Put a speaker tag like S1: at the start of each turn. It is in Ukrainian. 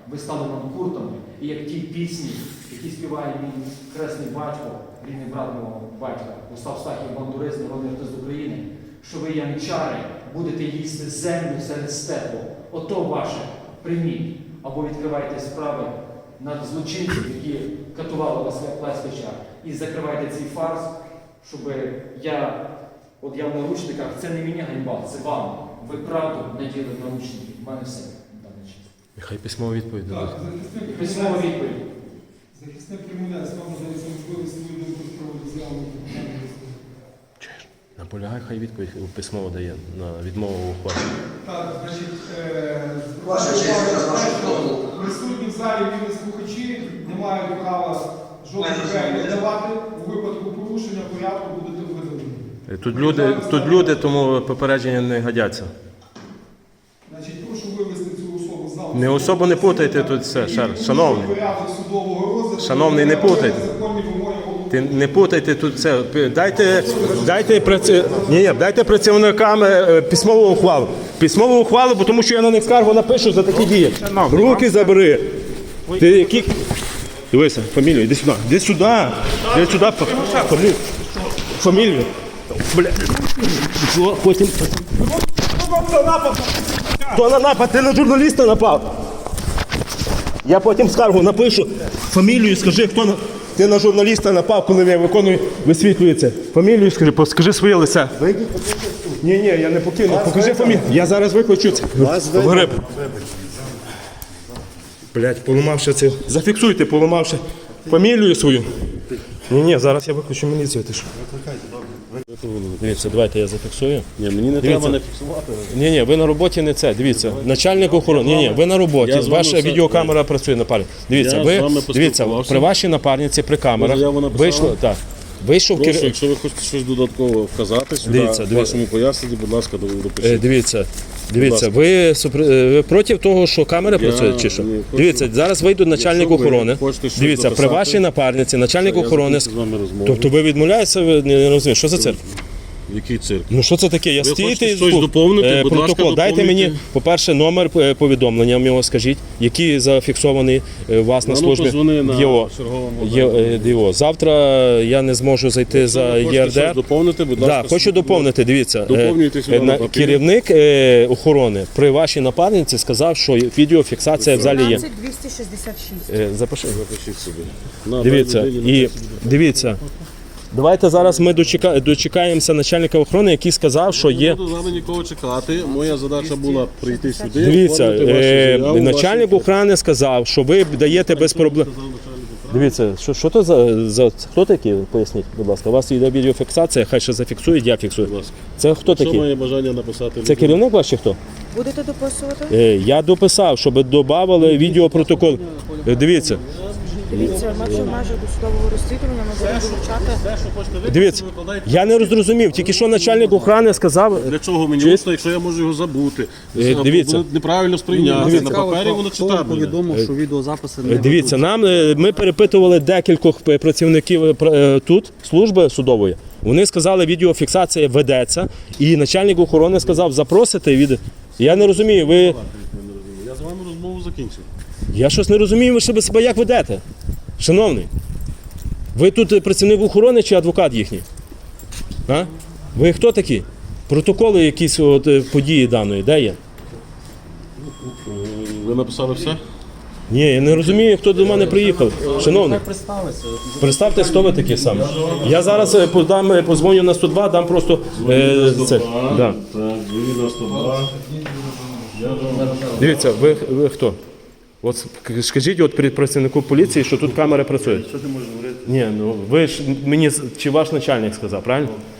S1: ви стали нам куртами, і як ті пісні, які співає мій хресний батько, рідний брат мого батька, Остап Стахів, бандурист, народний артист України, що ви, яничари, будете їсти землю серед степу. Ото ваше прийміть. Або відкривайте справи над злочинців, які катували вас Леськача, і закривайте цей фарс, щоб я в наручниках, це не мені ганьба, це вам. Ви правду наділи в наручники. В мене все.
S2: Нехай письмова відповідь дадуть.
S1: Письмова відповідь.
S3: Захисник Кремля, вам надається можливість свою думку з приводу заяви.
S2: Наполягай, хай відповідь письмово дає на відмову ухвалі.
S3: Так, значить,
S4: Ваша честь,
S3: присутні в залі вільні слухачі не мають права жодних речей давати. У випадку порушення порядку будете видалені.
S2: Тут люди, тому попередження не годяться.
S3: Значить, прошу вивести цю особу з залу.
S2: Не особо не путайте тут все, шановний. Шановний, не путайте. Не путайте тут все. Дайте працівникам письмову ухвалу. Письмову ухвалу, бо тому що я на них скаргу напишу за такі дії. Руки забери. Ти які... Дивися, фамілію, іди сюди. Іди сюди. Іди сюди. Фамілію. Бля. Потім... Хто на напад? Ти на журналіста напав. Я потім скаргу напишу. Фамілію скажи, хто на... Ти на журналіста напав, коли я виконую, висвітлюється. Фамілію скажи своє лице. Ні, я не покину. Покажи фамілію. Я зараз викличу це. Гриб. Блять, поламавши це. Зафіксуйте, поламавши фамілію свою. Ні, зараз я виключу міліцію. Ти що? Дивіться, давайте я зафіксую.
S5: Ні, мені не треба не фіксувати.
S2: Ні, ви на роботі не це. Дивіться, начальник охорони. Ні, ви на роботі. Ваша відеокамера працює на парі. Дивіться, при вашій напарниці, при камерах вийшло, так. Вийшов
S5: Прошу, якщо ви хочете щось додатково вказати сюди, в вашому поясненні, будь ласка, допишіть.
S2: Дивіться, ви проти того, що камера працює, чи що? Дивіться, зараз вийде начальник охорони. Дивіться, при вашій напарниці, начальник охорони. Тобто ви відмовляєтеся, ви не розумієте, що за цирк?
S5: Який цирк?
S2: Ну що це таке? Я стійте
S5: щось доповнити, будь ласка,
S2: протокол. Дайте
S5: доповнюйте.
S2: мені, по-перше, номер повідомлення його скажіть, який зафіксований у вас на службі
S5: позвони на
S2: ЄО.
S5: черговому
S2: Завтра я не зможу зайти за ЄРДР.
S5: Доповнити, будь ласка.
S2: Так, хочу доповнити. Дивіться,
S5: Доповнюйте сюди на папір.
S2: керівник охорони при вашій напарниці сказав, що відеофіксація в залі є.
S6: 266.
S2: Запиши.
S5: Запишіть собі.
S2: Дивіться. Давайте зараз ми дочекаємося начальника охорони, який сказав, що є...
S5: Не буду з вами нікого чекати. Моя задача була прийти сюди.
S2: Дивіться,
S5: оформити вашу заяву,
S2: начальник охорони сказав, що ви даєте без проблем... Дивіться, що то за... Хто такий? Поясніть, будь ласка. У вас йде відеофіксація, хай ще зафіксують, я фіксую.
S5: Будь ласка.
S2: Це хто
S5: Що
S2: такий?
S5: має бажання написати?
S2: Це керівник ваш чи хто?
S6: Будете дописувати?
S2: Я дописав, щоб додавали відеопротокол. Дивіться.
S6: Дивіться, ми вже майже до судового розслідування, ми будемо вилучати.
S2: Дивіться, я не зрозумів, тільки що начальник охорони сказав...
S5: Для чого мені усно, якщо я можу його забути?
S2: Дивіться.
S5: Буде неправильно сприйняти. На папері воно читати буде.
S7: Повідомив, що відеозаписи не
S2: Дивіться, ми перепитували декількох працівників тут, служби судової. Вони сказали, відеофіксація ведеться, і начальник охорони сказав, запросите від... Я не розумію, ви...
S5: Я з вами розмову закінчив.
S2: Я щось не розумію, ви себе як ведете, шановний. Ви тут працівник охорони чи адвокат їхній? А? Ви хто такі? Протоколи якісь події даної, де є?
S5: Ви написали все?
S2: Ні, я не розумію, хто до мене приїхав. Шановний, представте, хто ви такі саме. Я зараз позвоню на 102, дам просто... це. Да.
S5: Так, 92.
S2: Дивіться, ви хто? От скажіть от працівнику поліції, що тут камери працюють.
S5: Що ти можеш говорити?
S2: Ні, ну ви ж мені, чи ваш начальник сказав, правильно?